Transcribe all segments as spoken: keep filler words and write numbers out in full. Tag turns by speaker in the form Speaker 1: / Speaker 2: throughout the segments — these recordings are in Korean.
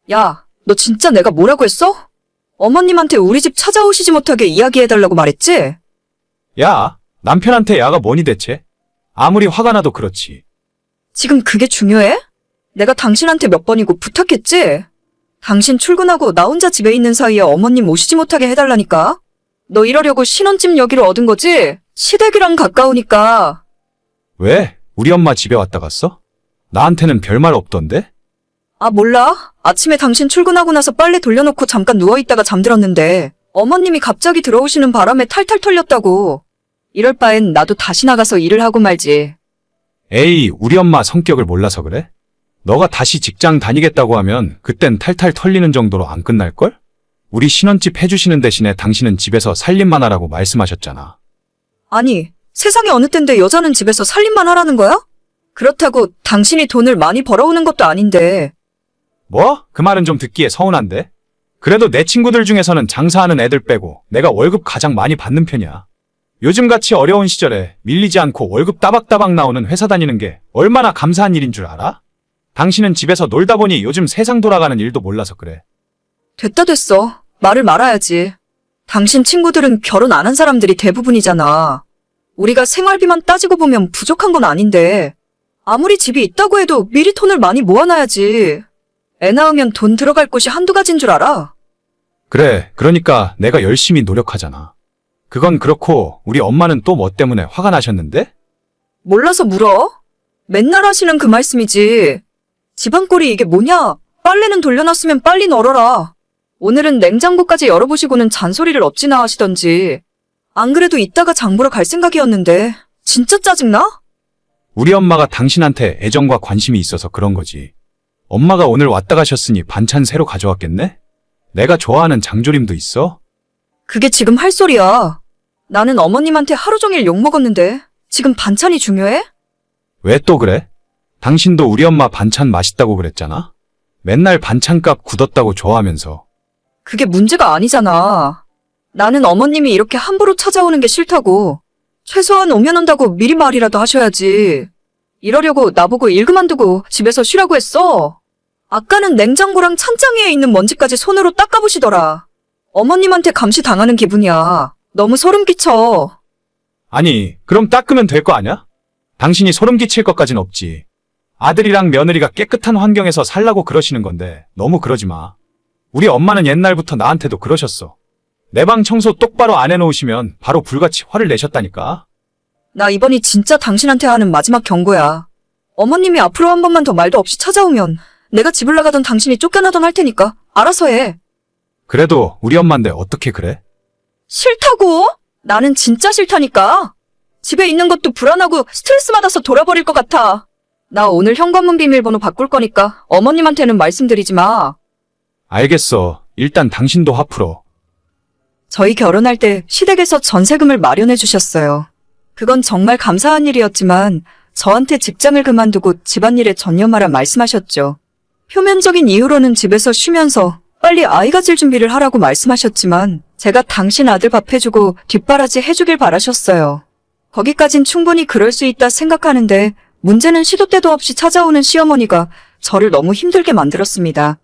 Speaker 1: 야, 너 진짜 내가 뭐라고 했어? 어머님한테 우리 집 찾아오시지 못하게 이야기해달라고 말했지?
Speaker 2: 야, 남편한테 야가 뭐니 대체? 아무리 화가 나도 그렇지.
Speaker 1: 지금 그게 중요해? 내가 당신한테 몇 번이고 부탁했지? 당신 출근하고 나 혼자 집에 있는 사이에 어머님 오시지 못하게 해달라니까? 너 이러려고 신혼집 여기로 얻은 거지? 시댁이랑 가까우니까.
Speaker 2: 왜? 우리 엄마 집에 왔다 갔어? 나한테는 별말 없던데?
Speaker 1: 아, 몰라. 아침에 당신 출근하고 나서 빨래 돌려놓고 잠깐 누워있다가 잠들었는데 어머님이 갑자기 들어오시는 바람에 탈탈 털렸다고. 이럴 바엔 나도 다시 나가서 일을 하고 말지.
Speaker 2: 에이, 우리 엄마 성격을 몰라서 그래? 너가 다시 직장 다니겠다고 하면 그땐 탈탈 털리는 정도로 안 끝날걸? 우리 신혼집 해주시는 대신에 당신은 집에서 살림만 하라고 말씀하셨잖아.
Speaker 1: 아니, 세상에 어느 땐데 여자는 집에서 살림만 하라는 거야? 그렇다고 당신이 돈을 많이 벌어오는 것도 아닌데.
Speaker 2: 뭐? 그 말은 좀 듣기에 서운한데? 그래도 내 친구들 중에서는 장사하는 애들 빼고 내가 월급 가장 많이 받는 편이야. 요즘같이 어려운 시절에 밀리지 않고 월급 따박따박 나오는 회사 다니는 게 얼마나 감사한 일인 줄 알아? 당신은 집에서 놀다 보니 요즘 세상 돌아가는 일도 몰라서 그래.
Speaker 1: 됐다 됐어. 말을 말아야지. 당신 친구들은 결혼 안 한 사람들이 대부분이잖아. 우리가 생활비만 따지고 보면 부족한 건 아닌데 아무리 집이 있다고 해도 미리 돈을 많이 모아놔야지. 애 낳으면 돈 들어갈 곳이 한두 가지인 줄 알아?
Speaker 2: 그래, 그러니까 내가 열심히 노력하잖아. 그건 그렇고 우리 엄마는 또 뭐 때문에 화가 나셨는데?
Speaker 1: 몰라서 물어? 맨날 하시는 그 말씀이지. 집안꼴이 이게 뭐냐? 빨래는 돌려놨으면 빨리 널어라. 오늘은 냉장고까지 열어보시고는 잔소리를 어찌나 하시던지. 안 그래도 이따가 장 보러 갈 생각이었는데 진짜 짜증나?
Speaker 2: 우리 엄마가 당신한테 애정과 관심이 있어서 그런 거지. 엄마가 오늘 왔다 가셨으니 반찬 새로 가져왔겠네? 내가 좋아하는 장조림도 있어?
Speaker 1: 그게 지금 할 소리야. 나는 어머님한테 하루 종일 욕먹었는데 지금 반찬이 중요해?
Speaker 2: 왜 또 그래? 당신도 우리 엄마 반찬 맛있다고 그랬잖아? 맨날 반찬값 굳었다고 좋아하면서.
Speaker 1: 그게 문제가 아니잖아. 나는 어머님이 이렇게 함부로 찾아오는 게 싫다고. 최소한 오면 온다고 미리 말이라도 하셔야지. 이러려고 나보고 일 그만두고 집에서 쉬라고 했어. 아까는 냉장고랑 찬장 위에 있는 먼지까지 손으로 닦아보시더라. 어머님한테 감시 당하는 기분이야. 너무 소름 끼쳐.
Speaker 2: 아니, 그럼 닦으면 될 거 아냐? 당신이 소름 끼칠 것까진 없지. 아들이랑 며느리가 깨끗한 환경에서 살라고 그러시는 건데 너무 그러지 마. 우리 엄마는 옛날부터 나한테도 그러셨어. 내 방 청소 똑바로 안 해놓으시면 바로 불같이 화를 내셨다니까.
Speaker 1: 나 이번이 진짜 당신한테 하는 마지막 경고야. 어머님이 앞으로 한 번만 더 말도 없이 찾아오면 내가 집을 나가던 당신이 쫓겨나던 할 테니까 알아서 해.
Speaker 2: 그래도 우리 엄마인데 어떻게 그래?
Speaker 1: 싫다고? 나는 진짜 싫다니까. 집에 있는 것도 불안하고 스트레스 받아서 돌아버릴 것 같아. 나 오늘 현관문 비밀번호 바꿀 거니까 어머님한테는 말씀드리지 마.
Speaker 2: 알겠어. 일단 당신도 화 풀어.
Speaker 1: 저희 결혼할 때 시댁에서 전세금을 마련해 주셨어요. 그건 정말 감사한 일이었지만 저한테 직장을 그만두고 집안일에 전념하라 말씀하셨죠. 표면적인 이유로는 집에서 쉬면서 빨리 아이 가질 준비를 하라고 말씀하셨지만 제가 당신 아들 밥 해주고 뒷바라지 해주길 바라셨어요. 거기까진 충분히 그럴 수 있다 생각하는데 문제는 시도 때도 없이 찾아오는 시어머니가 저를 너무 힘들게 만들었습니다.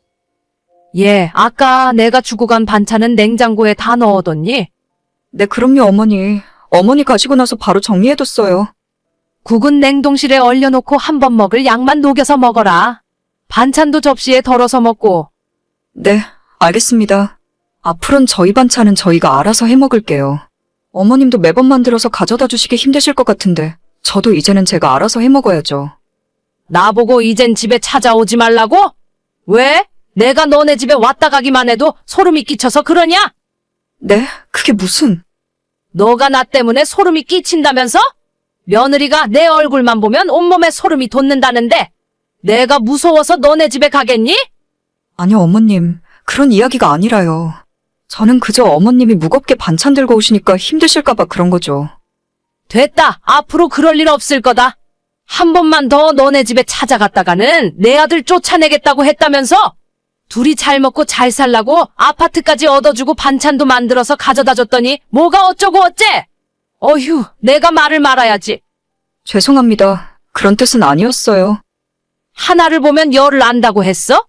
Speaker 3: 예, 아까 내가 주고 간 반찬은 냉장고에 다 넣어뒀니?
Speaker 1: 네, 그럼요, 어머니. 어머니 가시고 나서 바로 정리해뒀어요.
Speaker 3: 국은 냉동실에 얼려놓고 한 번 먹을 양만 녹여서 먹어라. 반찬도 접시에 덜어서 먹고.
Speaker 1: 네, 알겠습니다. 앞으론 저희 반찬은 저희가 알아서 해먹을게요. 어머님도 매번 만들어서 가져다 주시기 힘드실 것 같은데 저도 이제는 제가 알아서 해먹어야죠.
Speaker 3: 나보고 이젠 집에 찾아오지 말라고? 왜? 내가 너네 집에 왔다 가기만 해도 소름이 끼쳐서 그러냐?
Speaker 1: 네? 그게 무슨...
Speaker 3: 너가 나 때문에 소름이 끼친다면서? 며느리가 내 얼굴만 보면 온몸에 소름이 돋는다는데 내가 무서워서 너네 집에 가겠니?
Speaker 1: 아니요, 어머님. 그런 이야기가 아니라요. 저는 그저 어머님이 무겁게 반찬 들고 오시니까 힘드실까봐 그런 거죠.
Speaker 3: 됐다. 앞으로 그럴 일 없을 거다. 한 번만 더 너네 집에 찾아갔다가는 내 아들 쫓아내겠다고 했다면서? 둘이 잘 먹고 잘 살라고 아파트까지 얻어주고 반찬도 만들어서 가져다 줬더니 뭐가 어쩌고 어째? 어휴, 내가 말을 말아야지.
Speaker 1: 죄송합니다. 그런 뜻은 아니었어요.
Speaker 3: 하나를 보면 열을 안다고 했어?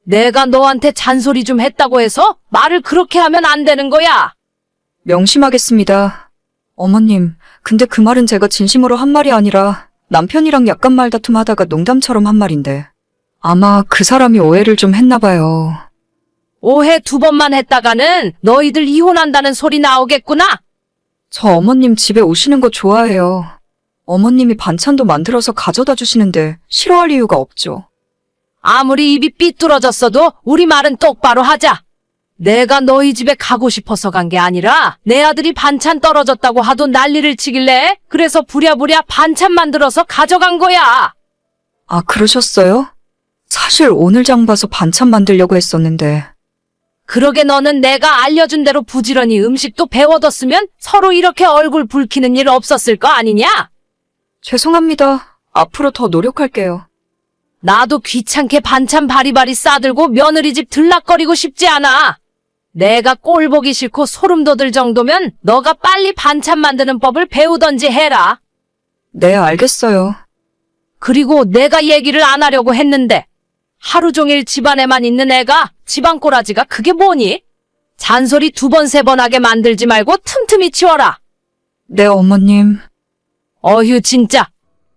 Speaker 3: 내가 너한테 잔소리 좀 했다고 해서 말을 그렇게 하면 안 되는 거야.
Speaker 1: 명심하겠습니다. 어머님, 근데 그 말은 제가 진심으로 한 말이 아니라 남편이랑 약간 말다툼 하다가 농담처럼 한 말인데 아마 그 사람이 오해를 좀 했나 봐요.
Speaker 3: 오해 두 번만 했다가는 너희들 이혼한다는 소리 나오겠구나.
Speaker 1: 저 어머님 집에 오시는 거 좋아해요. 어머님이 반찬도 만들어서 가져다 주시는데 싫어할 이유가 없죠.
Speaker 3: 아무리 입이 삐뚤어졌어도 우리 말은 똑바로 하자. 내가 너희 집에 가고 싶어서 간 게 아니라 내 아들이 반찬 떨어졌다고 하도 난리를 치길래 그래서 부랴부랴 반찬 만들어서 가져간 거야.
Speaker 1: 아, 그러셨어요? 사실 오늘 장 봐서 반찬 만들려고 했었는데.
Speaker 3: 그러게 너는 내가 알려준 대로 부지런히 음식도 배워뒀으면 서로 이렇게 얼굴 붉히는 일 없었을 거 아니냐?
Speaker 1: 죄송합니다. 앞으로 더 노력할게요.
Speaker 3: 나도 귀찮게 반찬 바리바리 싸들고 며느리 집 들락거리고 싶지 않아. 내가 꼴 보기 싫고 소름 돋을 정도면 너가 빨리 반찬 만드는 법을 배우던지 해라.
Speaker 1: 네, 알겠어요.
Speaker 3: 그리고 내가 얘기를 안 하려고 했는데 하루 종일 집안에만 있는 애가 집안 꼬라지가 그게 뭐니? 잔소리 두 번 세 번 하게 만들지 말고 틈틈이 치워라.
Speaker 1: 네, 어머님.
Speaker 3: 어휴 진짜.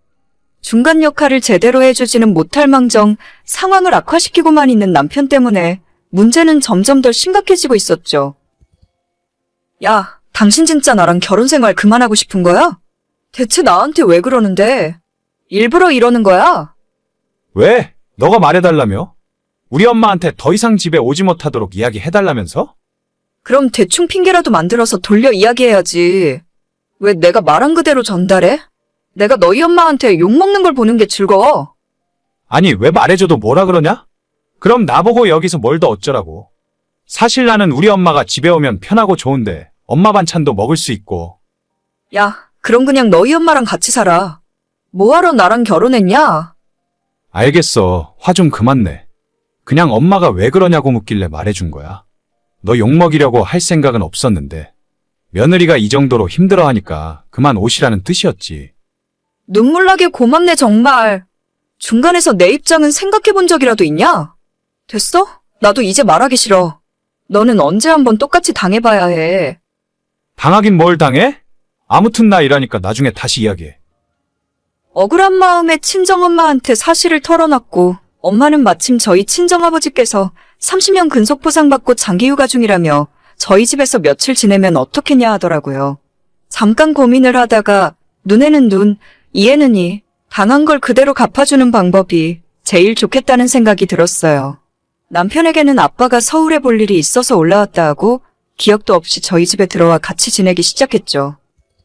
Speaker 1: 중간 역할을 제대로 해주지는 못할 망정 상황을 악화시키고만 있는 남편 때문에 문제는 점점 더 심각해지고 있었죠. 야, 당신 진짜 나랑 결혼 생활 그만하고 싶은 거야? 대체 나한테 왜 그러는데? 일부러 이러는 거야?
Speaker 2: 왜? 너가 말해달라며? 우리 엄마한테 더 이상 집에 오지 못하도록 이야기해달라면서?
Speaker 1: 그럼 대충 핑계라도 만들어서 돌려 이야기해야지. 왜 내가 말한 그대로 전달해? 내가 너희 엄마한테 욕먹는 걸 보는 게 즐거워.
Speaker 2: 아니, 왜 말해줘도 뭐라 그러냐? 그럼 나보고 여기서 뭘 더 어쩌라고. 사실 나는 우리 엄마가 집에 오면 편하고 좋은데 엄마 반찬도 먹을 수 있고.
Speaker 1: 야, 그럼 그냥 너희 엄마랑 같이 살아. 뭐하러 나랑 결혼했냐?
Speaker 2: 알겠어. 화 좀 그만 내. 그냥 엄마가 왜 그러냐고 묻길래 말해준 거야. 너 욕먹이려고 할 생각은 없었는데 며느리가 이 정도로 힘들어하니까 그만 오시라는 뜻이었지.
Speaker 1: 눈물나게 고맙네 정말. 중간에서 내 입장은 생각해본 적이라도 있냐? 됐어? 나도 이제 말하기 싫어. 너는 언제 한번 똑같이 당해봐야 해.
Speaker 2: 당하긴 뭘 당해? 아무튼 나 이러니까 나중에 다시 이야기해.
Speaker 1: 억울한 마음에 친정엄마한테 사실을 털어놨고 엄마는 마침 저희 친정아버지께서 삼십 년 근속 보상받고 장기휴가 중이라며 저희 집에서 며칠 지내면 어떻겠냐 하더라고요. 잠깐 고민을 하다가 눈에는 눈, 이에는 이, 당한 걸 그대로 갚아주는 방법이 제일 좋겠다는 생각이 들었어요. 남편에게는 아빠가 서울에 볼 일이 있어서 올라왔다 하고 기억도 없이 저희 집에 들어와 같이 지내기 시작했죠.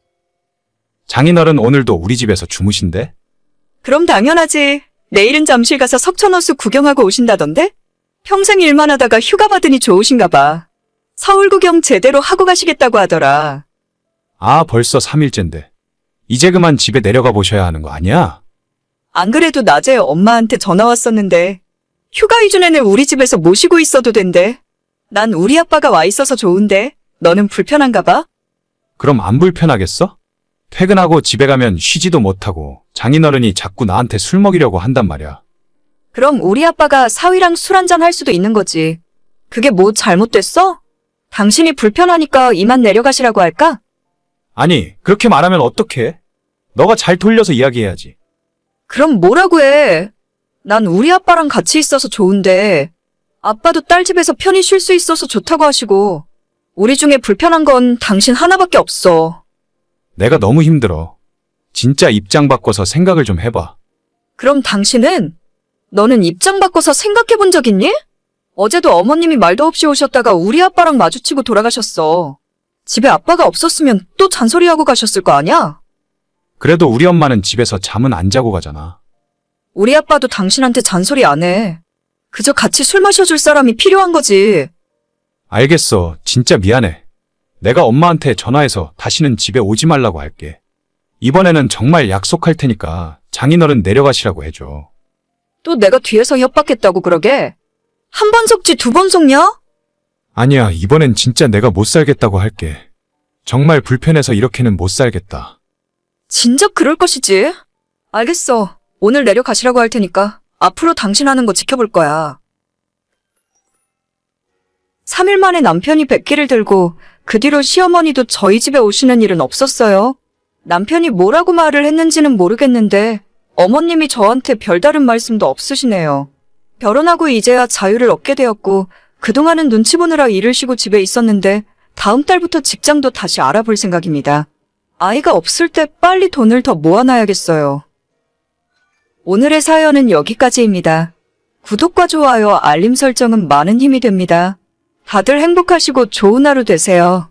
Speaker 2: 장인어른 오늘도 우리 집에서 주무신대?
Speaker 1: 그럼 당연하지. 내일은 잠실 가서 석촌호수 구경하고 오신다던데? 평생 일만 하다가 휴가 받으니 좋으신가 봐. 서울 구경 제대로 하고 가시겠다고 하더라.
Speaker 2: 아, 벌써 삼 일째인데. 이제 그만 집에 내려가 보셔야 하는 거 아니야?
Speaker 1: 안 그래도 낮에 엄마한테 전화 왔었는데 휴가 이전에는 우리 집에서 모시고 있어도 된대. 난 우리 아빠가 와 있어서 좋은데 너는 불편한가 봐?
Speaker 2: 그럼 안 불편하겠어? 퇴근하고 집에 가면 쉬지도 못하고 장인어른이 자꾸 나한테 술 먹이려고 한단 말이야.
Speaker 1: 그럼 우리 아빠가 사위랑 술 한잔 할 수도 있는 거지. 그게 뭐 잘못됐어? 당신이 불편하니까 이만 내려가시라고 할까?
Speaker 2: 아니, 그렇게 말하면 어떡해? 너가 잘 돌려서 이야기해야지.
Speaker 1: 그럼 뭐라고 해? 난 우리 아빠랑 같이 있어서 좋은데 아빠도 딸 집에서 편히 쉴 수 있어서 좋다고 하시고 우리 중에 불편한 건 당신 하나밖에 없어.
Speaker 2: 내가 너무 힘들어. 진짜 입장 바꿔서 생각을 좀 해봐.
Speaker 1: 그럼 당신은? 너는 입장 바꿔서 생각해 본 적 있니? 어제도 어머님이 말도 없이 오셨다가 우리 아빠랑 마주치고 돌아가셨어. 집에 아빠가 없었으면 또 잔소리하고 가셨을 거 아니야?
Speaker 2: 그래도 우리 엄마는 집에서 잠은 안 자고 가잖아.
Speaker 1: 우리 아빠도 당신한테 잔소리 안 해. 그저 같이 술 마셔줄 사람이 필요한 거지.
Speaker 2: 알겠어. 진짜 미안해. 내가 엄마한테 전화해서 다시는 집에 오지 말라고 할게. 이번에는 정말 약속할 테니까 장인어른 내려가시라고 해줘.
Speaker 1: 또 내가 뒤에서 협박했다고 그러게? 한 번 속지 두 번 속냐?
Speaker 2: 아니야, 이번엔 진짜 내가 못 살겠다고 할게. 정말 불편해서 이렇게는 못 살겠다.
Speaker 1: 진작 그럴 것이지. 알겠어. 오늘 내려가시라고 할 테니까 앞으로 당신 하는 거 지켜볼 거야. 삼 일 만에 남편이 백기를 들고 그 뒤로 시어머니도 저희 집에 오시는 일은 없었어요. 남편이 뭐라고 말을 했는지는 모르겠는데 어머님이 저한테 별다른 말씀도 없으시네요. 결혼하고 이제야 자유를 얻게 되었고 그동안은 눈치 보느라 일을 쉬고 집에 있었는데 다음 달부터 직장도 다시 알아볼 생각입니다. 아이가 없을 때 빨리 돈을 더 모아놔야겠어요. 오늘의 사연은 여기까지입니다. 구독과 좋아요, 알림 설정은 많은 힘이 됩니다. 다들 행복하시고 좋은 하루 되세요.